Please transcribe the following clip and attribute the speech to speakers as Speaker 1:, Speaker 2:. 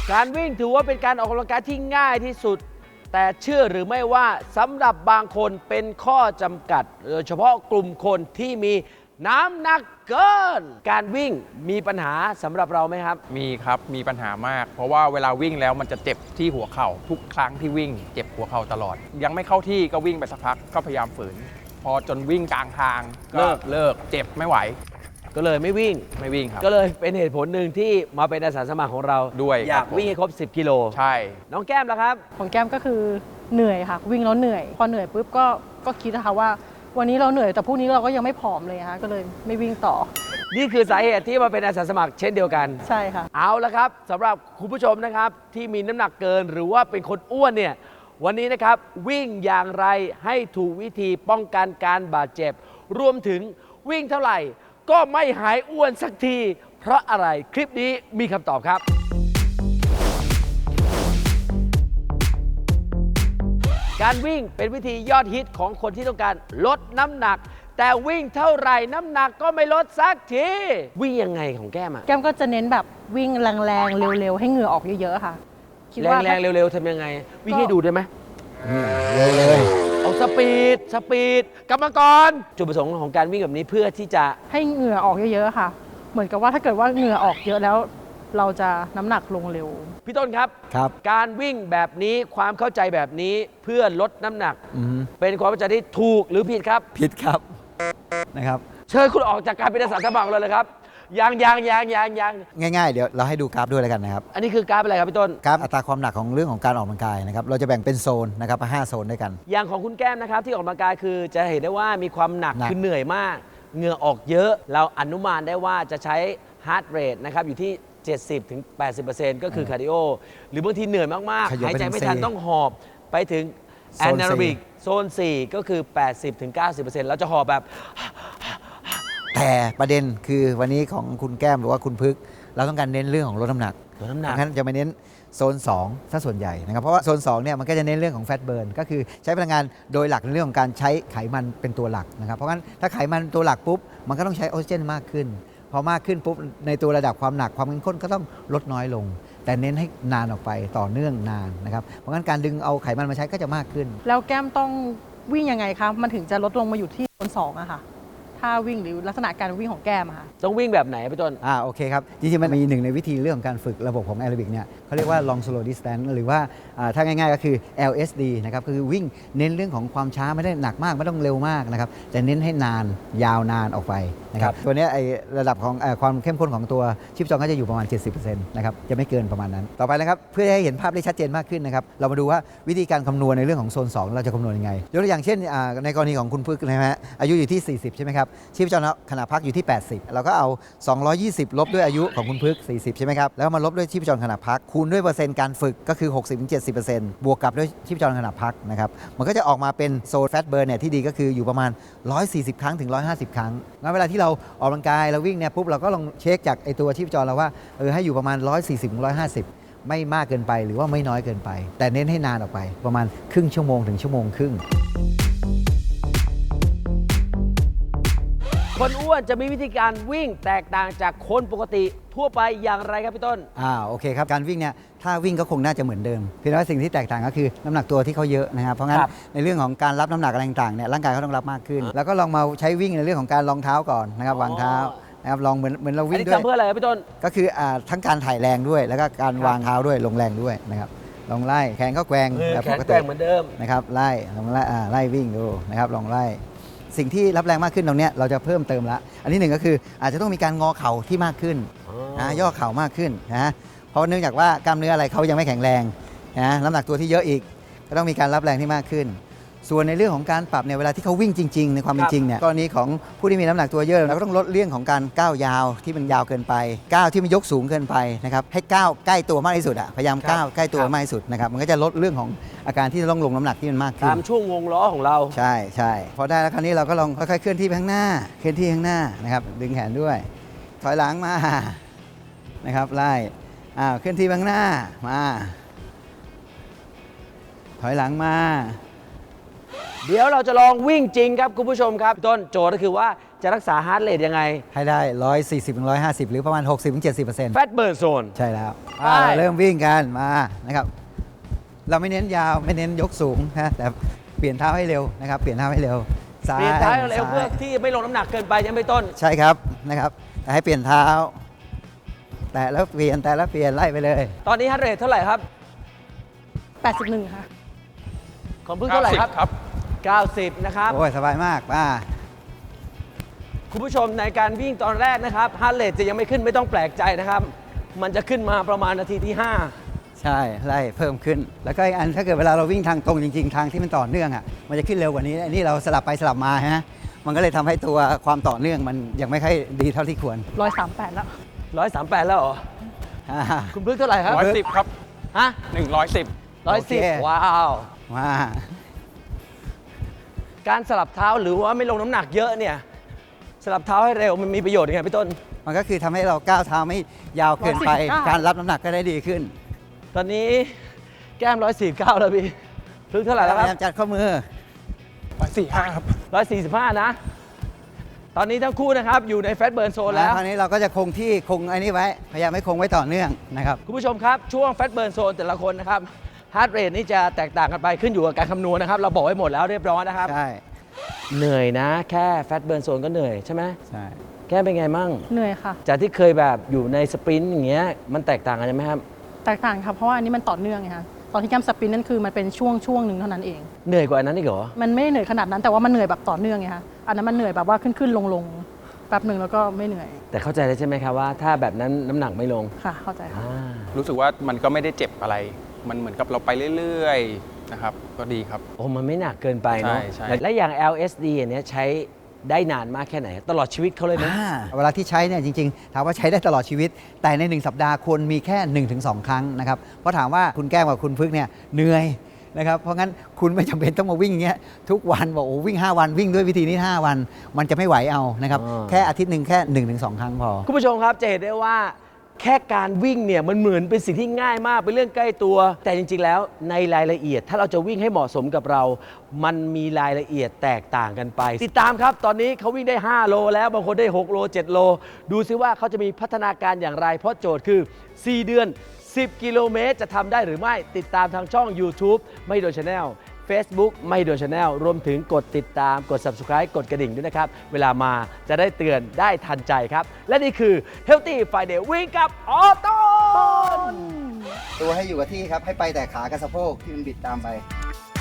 Speaker 1: การวิ่งถือว่าเป็นการออกกำลังกายที่ง่ายที่สุด แต่เชื่อหรือไม่ว่าสำหรับบางคนเป็นข้อจำกัดโดยเฉพาะกลุ่มคนที่มีน้ำหนักเกิน การวิ่งมีปัญหาสำหรับเราไหมครับ
Speaker 2: มีครับมีปัญหามาก เพราะว่าเวลาวิ่งแล้วมันจะเจ็บที่หัวเข่าทุกครั้งที่วิ่งเจ็บหัวเข่าตลอด ยังไม่เข้าที่ก็วิ่งไปสักพักก็พยายามฝืน พอจนวิ่งกลางทางก็เลิกเจ็บไม่ไหว
Speaker 1: ก็เลยไม่วิ่ง
Speaker 2: ครับ
Speaker 1: ก็เลยเป็นเหตุผลหนึ่งที่มาเป็นอาสาสมัครของเรา
Speaker 2: ด้วย
Speaker 1: อยาก
Speaker 2: ครับ
Speaker 1: วิ่งให้ครบ 10 กิโล
Speaker 2: ใช่
Speaker 1: น้องแก้มล่ะครับ
Speaker 3: ของแก้มก็คือเหนื่อยค่ะ วิ่งแล้วเหนื่อย พอเหนื่อยปุ๊บก็คิดนะคะว่าวันนี้เราเหนื่อยแต่พรุ่งนี้เราก็ยังไม่ผอมเลยนะคะก็เลยไม่วิ่งต่อ
Speaker 1: นี่คือสาเหตุที่มาเป็นอาสาสมัครเช่นเดียวกัน
Speaker 3: ใช่ค่ะ
Speaker 1: เอาละครับสำหรับคุณผู้ชมนะครับที่มีน้ำหนักเกินหรือว่าเป็นคนอ้วนเนี่ยวันนี้นะครับวิ่งอย่างไรให้ถูกวิธีป้องกันการบาดเจ็บ รวมถึงวิ่งเท่าไหร่ ก็ไม่หายอ้วนสักที เพราะอะไรคลิปนี้มีคำตอบครับ การวิ่งเป็นวิธียอดฮิตของคนที่ต้องการลดน้ำหนัก แต่วิ่งเท่าไหร่น้ำหนักก็ไม่ลดสักทีวิ่งยังไงของแก้มอะ
Speaker 3: แก้มก็จะเน้นแบบวิ่งแรงๆเร็วๆให้เหงื่อออกเยอะๆค่ะคิดว่า
Speaker 1: แรงๆเร็วๆทำยังไง วิ่งให้ดูได้ไหม
Speaker 4: เลย
Speaker 1: เอาสปีดกรรมกรจุดประสงค์ของการวิ่งแบบนี้เพื่อที่จะ
Speaker 3: ให้เหงื่อออกเยอะๆค่ะ เหมือนกับว่าถ้าเกิดว่าเหงื่อออกเยอะแล้ว เราจะน้ำหนักลงเร็ว
Speaker 1: พี่ต้นครับ
Speaker 4: ครับ
Speaker 1: การวิ่งแบบนี้ความเข้าใจแบบนี้เพื่อลดน้ำหนัก
Speaker 4: อืม
Speaker 1: เป็นความเข้าใจที่ถูกหรือผิดครับ
Speaker 4: ผิดครับนะครับ
Speaker 1: เชิญคุณออกจากการเป็นอาสาสมัครเลยครับยัง
Speaker 4: ง่ายๆ เดี๋ยวเราให้ดูกราฟด้วยแล้วกันนะครับ
Speaker 1: อันนี้คือกราฟอะไรครับพี่ต้น
Speaker 4: กราฟอัตราความหนักของเรื่องของการออกกำลังกายนะครับเราจะแบ่งเป็นโซนนะครับ5โซนด้วยกัน
Speaker 1: อย่างของคุณแก้มนะครับที่ออกกำลังกายคือจะเห็นได้ว่ามีความหนัก
Speaker 4: หนัก
Speaker 1: คือเหนื่อยมากเหงื่อออกเยอะ เราอนุมานได้ว่าจะใช้ฮาร์ดเรทนะครับอยู่ที่ 70-80% ก็คือคาร์ดิโอหรือบางทีเหนื่อยมากๆ
Speaker 4: ขยับ
Speaker 1: หาย
Speaker 4: ไป
Speaker 1: ใจ
Speaker 4: ถึง
Speaker 1: ไม่ทัน
Speaker 4: 4
Speaker 1: ต้องหอบไปถึง
Speaker 4: โซ
Speaker 1: แอน
Speaker 4: 4
Speaker 1: นาโรบิกโซน 4 ก็คือ 80-90% เราจะหอบแบบ
Speaker 4: แต่ประเด็นคือวันนี้ของคุณแก้มหรือว่าคุณพึกษ์เราต้องการเน้นเรื่องของลดน้ำหนัก
Speaker 1: ลดน้ำหนัก
Speaker 4: งั้นจะไปเน้นโซน2ถ้าส่วนใหญ่นะครับเพราะว่าโซน2เนี่ยมันก็จะเน้นเรื่องของแฟตเบิร์นก็คือใช้พลังงานโดยหลักในเรื่องของการใช้ไขมันเป็นตัวหลักนะครับเพราะงั้นถ้าไขมันตัวหลักปุ๊บมันก็ต้องใช้ออกซิเจนมากขึ้นพอมากขึ้นปุ๊บในตัวระดับความหนักความเข้มข้นก็ต้องลดน้อยลง แต่เน้นให้นานออกไปต่อเนื่องนานนะครับเพราะงั้นการดึงเอาไขมันมาใช้ก็จะมากขึ้น
Speaker 3: ๆ แล้วแก้มต้องวิ่งยังไงคะมันถึงจะลดลงมาอยู่ที่โซน2อะค่ะถ้าวิ่งหรือลักษณะการวิ่งของแก้มอะค่ะ
Speaker 1: ต้องวิ่งแบบไหนพี่ต้น
Speaker 4: โอเคครับ จริงๆ มันมีหนึ่งในวิธีเรื่องของการฝึกระบบของแอโรบิกเนี่ยเขาเรียกว่า long slow distance หรือว่าถ้าง่ายๆก็คือ LSD นะครับคือวิ่งเน้นเรื่องของความช้าไม่ได้หนักมากไม่ต้องเร็วมากนะครับแต่เน้นให้นานยาวนานออกไปนะครับตัวเนี้ยไอระดับของความเข้มข้นของตัวชีพจรก็จะอยู่ประมาณ 70% นะครับจะไม่เกินประมาณนั้น ต่อไปนะครับเพื่อให้เห็นภาพได้ชัดเจนมากขึ้นนะครับเรามาดูว่าวิธีการคำนวณในเรื่องของโซน 2 เราจะคำนวณยังไงยกตัวอย่างเช่นในกรณีของคุณพึกษ์นะฮะอายุอยู่ที่ 40 ใช่ไหมครับชีพจรขณะพักอยู่ที่ 80 เราก็เอา 220 ลบด้วยอายุของคุณพึกษ์40 ใช่ไหมครับ แล้วมาลบด้วยชีพจรขณะพัก คูณด้วยเปอร์เซ็นต์การฝึกก็คือ 60-70% บวกกับด้วยชีพจรขณะพักนะครับ มันก็จะออกมาเป็นโซนแฟตเบิร์นเนี่ยที่ดีก็คืออยู่ประมาณ 140 ครั้งถึง 150 ครั้ง งั้นเวลาที่เราออกกำลังกายเราวิ่งเนี่ยปุ๊บเราก็ลองเช็คจากไอตัวชีพจรเราว่าให้อยู่ประมาณ 140-150 ไม่มากเกินไปหรือว่าไม่น้อยเกินไป แต่เน้นให้นานออกไปประมาณครึ่งชั่วโมงถึงชั่วโมงครึ่ง
Speaker 1: คนอ้วนจะมีวิธีการวิ่งแตกต่างจากคนปกติทั่วไปอย่างไรครับพี่ต้น
Speaker 4: โอเคครับการวิ่งเนี่ยถ้าวิ่งก็คงน่าจะเหมือนเดิมเพียงแต่ว่าสิ่งที่แตกต่างก็คือน้ำหนักตัวที่เขาเยอะนะครับเพราะงั้น
Speaker 1: ครับ
Speaker 4: ในเรื่องของการรับน้ำหนักอะไรต่างๆเนี่ยร่างกายเขาต้องรับมากขึ้น แล้วก็ลองมาใช้วิ่งในเรื่องของการรองเท้าก่อนนะครับวางเท้านะครับลองเหมือนเรา
Speaker 1: อัน
Speaker 4: วิ่ง
Speaker 1: นี้
Speaker 4: ด้วย
Speaker 1: ทำเพื่ออะไรครับพี่ต้น
Speaker 4: ก็คือทั้งการถ่ายแรงด้วย แล้วก็การวางเท้าด้วยลงแรงด้วยนะครับลองไล่แขนก็แกว่ง
Speaker 1: มือ
Speaker 4: แบบ
Speaker 1: แข
Speaker 4: ป
Speaker 1: น
Speaker 4: ก
Speaker 1: แก
Speaker 4: ติ
Speaker 1: ว่งเหมือนเดิม
Speaker 4: นะครับไล่ลองไล่วิ่งดูนะครับลองไล่สิ่งที่รับแรงมากขึ้นตรงเนี้ยเราจะเพิ่มเติมละอันที่หนึ่งก็คืออาจจะต้องมีการงอเข่าที่มากขึ้น ย่อเข่ามากขึ้นนะเพราะเนื่องจากว่ากล้ามเนื้ออะไรเขายังไม่แข็งแรงนะน้ำหนักตัวที่เยอะอีกก็ต้องมีการรับแรงที่มากขึ้น ส่วนในเรื่องของการปรับเนี่ยเวลาที่เขาวิ่งจริงๆในความเป็นจริงเนี่ยกรณีของผู้ที่มีน้ำหนักตัวเยอะเราก็ต้องลดเรื่องของการก้าวยาวที่มันยาวเกินไปก้าวที่มันยกสูงเกินไปนะครับให้ก้าวใกล้ตัวมากที่สุดพยายามก้าวใกล้ตัวมากที่สุดนะครับมันก็จะลดเรื่องของอาการที่จะต้องลงน้ำหนักที่มันมากขึ้น
Speaker 1: ตามช่วงวงล้อของเรา
Speaker 4: ใช่พอได้แล้วคราวนี้เราก็ลองค่อยๆเคลื่อนที่ไปข้างหน้าเคลื่อนที่ข้างหน้านะครับดึงแขนด้วยถอยหลังมานะครับไล่เคลื่อนที่ไปข้างหน้ามาถอยหลังมา
Speaker 1: เดี๋ยวเราจะลองวิ่งจริงครับคุณผู้ชมครับพี่ต้นโจทย์ก็คือว่าจะรักษาฮาร์ทเรทยังไง
Speaker 4: ให้ได้ 140-150 หรือประมาณ 60-70%
Speaker 1: แฟตเบิร์นโซน
Speaker 4: ใช่แล้ว
Speaker 1: ไป
Speaker 4: เริ่มวิ่งกันมานะครับเราไม่เน้นยาวไม่เน้นยกสูงนะแต่เปลี่ยนเท้าให้เร็วนะครับเปลี่ยนเท้าให้เร็วซ้าย
Speaker 1: เปลี่ยนเท้าเร็ว
Speaker 4: ซ้
Speaker 1: เพื่อที่ไม่ลงน้ำหนักเกินไปยังไม่ต้น
Speaker 4: ใช่ครับนะครับแต่ให้เปลี่ยนเท้า แต่แล้วเปลี่ยนแต่แล้วเปลี่ยนไล่ไปเลย
Speaker 1: ตอนนี้ฮาร์ทเรทเท่าไหร่ครับ
Speaker 3: 81 ค่ะ
Speaker 1: ของพึ่งเท่าไหร่ครับ
Speaker 2: ครับ
Speaker 1: 90 นะครับ
Speaker 4: โอ้ยสบายมากมา
Speaker 1: คุณผู้ชมในการวิ่งตอนแรกนะครับฮาร์ทเรทจะยังไม่ขึ้นไม่ต้องแปลกใจนะครับ มันจะขึ้นมาประมาณนาทีที่
Speaker 4: ใช่ไล่เพิ่มขึ้น แล้วก็อีกอันถ้าเกิดเวลาเราวิ่งทางตรงจริงๆ ทางที่มันต่อเนื่องอ่ะมันจะขึ้นเร็วกว่านี้อันนี้เราสลับไปสลับมาฮะมันก็เลยทำให้ตัวความต่อเนื่องมันยังไม่ค่อยดีเท่าที่ควร
Speaker 3: 138 แล้ว
Speaker 1: 138 แล้วเหรอ
Speaker 4: อ่า
Speaker 1: คุณพึ่งเท่าไหร่ครับ
Speaker 2: 110 ครับ
Speaker 1: ฮะ
Speaker 2: 110
Speaker 4: โอเค
Speaker 1: 110 ว้าว
Speaker 4: มา
Speaker 1: การสลับเท้าหรือว่าไม่ลงน้ำหนักเยอะเนี่ย สลับเท้าให้เร็วมันมีประโยชน์ยังไงพี่ต้น
Speaker 4: มันก็คือทำให้เราก้าวเท้าไม่ยาวเกินไป
Speaker 3: 149
Speaker 4: การรับน้ำหนักก็ได้ดีขึ้น
Speaker 1: ตอนนี้แก้ม 149 แล้วพี่พึ่งเท่าไหร่แล้ว
Speaker 4: พ
Speaker 1: ครั
Speaker 4: ยายามจัดข้อมือ
Speaker 2: 145 ครับ
Speaker 1: บ 145 นะ ตอนนี้ทั้งคู่นะครับอยู่ในแฟตเบิร์นโซนแล้ว
Speaker 4: คราวนี้เราก็จะคงที่คงไอ้นี่ไว้ พยายามให้คงไว้ต่อเนื่องนะครับ
Speaker 1: คุณผู้ชมครับ ช่วงแฟตเบิร์นโซนแต่ละคนนะครับฮาร์ดเรทนี่จะแตกต่างกันไปขึ้นอยู่กับการคำนวณนะครับ เราบอกไว้หมดแล้วเรียบร้อยนะครับ
Speaker 4: ใช่
Speaker 1: เหนื่อยนะ แค่แฟตเบิร์นโซนก็เหนื่อยใช่ไหม
Speaker 4: ใช่
Speaker 1: แก้มเป็นไงมั่ง
Speaker 3: เหนื่อยค่ะ
Speaker 1: จากที่เคยแบบอยู่ในสปรินต์อย่างเงี้ยมันแตกต่างกันไหมครับ
Speaker 3: แตกต่างค่ะ เพราะว่าอันนี้มันต่อเนื่องไงคะตอนที่แก้มสปรินต์นั่นคือมันเป็นช่วงหนึ่งเท่านั้นเอง
Speaker 1: เหนื่อยกว่าอันนั้นอีกเหรอ
Speaker 3: มันไม่ได้เหนื่อยขนาดนั้นแต่ว่ามันเหนื่อยแบบต่อเนื่องไงคะอันนั้นมันเหนื่อยแบบว่าขึ้นลงแป๊บหนึ่งแล้วก็ไม่เหนื่อย
Speaker 1: แต่เข้าใจเลยใช่ไหมครับว่าถ้าแบบนั้นน้ำหนักไม่ลง
Speaker 3: ค่ะ เข้าใจค่ะ
Speaker 1: อ่า
Speaker 2: รู้สึกว่ามันก็ไม่ได้เจ็บอะไร มันเหมือนกับเราไปเรื่อยๆ นะครับ ก็ดีครับ
Speaker 1: โอ้มันไม่หนักเกินไปเนาะ
Speaker 2: ใช่
Speaker 1: และอย่าง LSD อันเนี้ยใช้ได้นานมากแค่ไหน ตลอดชีวิตเขาเลยไหม
Speaker 4: เวลาที่ใช้เนี่ยจริงๆ ถามว่าใช้ได้ตลอดชีวิต แต่ใน 1 สัปดาห์ควรมีแค่ 1-2 ครั้งนะครับ เพราะถามว่าคุณแก้มกับคุณพึกเนี่ยเหนื่อยนะครับ เพราะงั้นคุณไม่จำเป็นต้องมาวิ่งอย่างเงี้ยทุกวันบอกโอ้วิ่ง 5 วันวิ่งด้วยวิธีนี้ 5 วัน มันจะไม่ไหวเอานะครับ แค่อาทิตย์หนึ่งแค่ 1-2 ครั้งพอ
Speaker 1: คุณผู้ชมครับจะเห็นได้ว่าแค่การวิ่งเนี่ยมันเหมือนเป็นสิ่งที่ง่ายมากเป็นเรื่องใกล้ตัว แต่จริงๆแล้วในรายละเอียดถ้าเราจะวิ่งให้เหมาะสมกับเรา มันมีรายละเอียดแตกต่างกันไป ติดตามครับตอนนี้เขาวิ่งได้ 5 โลแล้วบางคนได้ 6 โล 7 โล ดูซิว่าเขาจะมีพัฒนาการอย่างไร เพราะโจทย์คือ 4 เดือน 10 กิโลเมตรจะทำได้หรือไม่ติดตามทางช่อง YouTube ไม่โดน Channel Facebook ไม่โดน Channel รวมถึงกดติดตามกด Subscribe กดกระดิ่งด้วยนะครับ เวลามาจะได้เตือนได้ทันใจครับ และนี่คือ Healthy Friday วิ่งกับออโต้
Speaker 4: ตัวให้อยู่กับที่ครับ ให้ไปแต่ขากับสะโพกที่มันบิดตามไป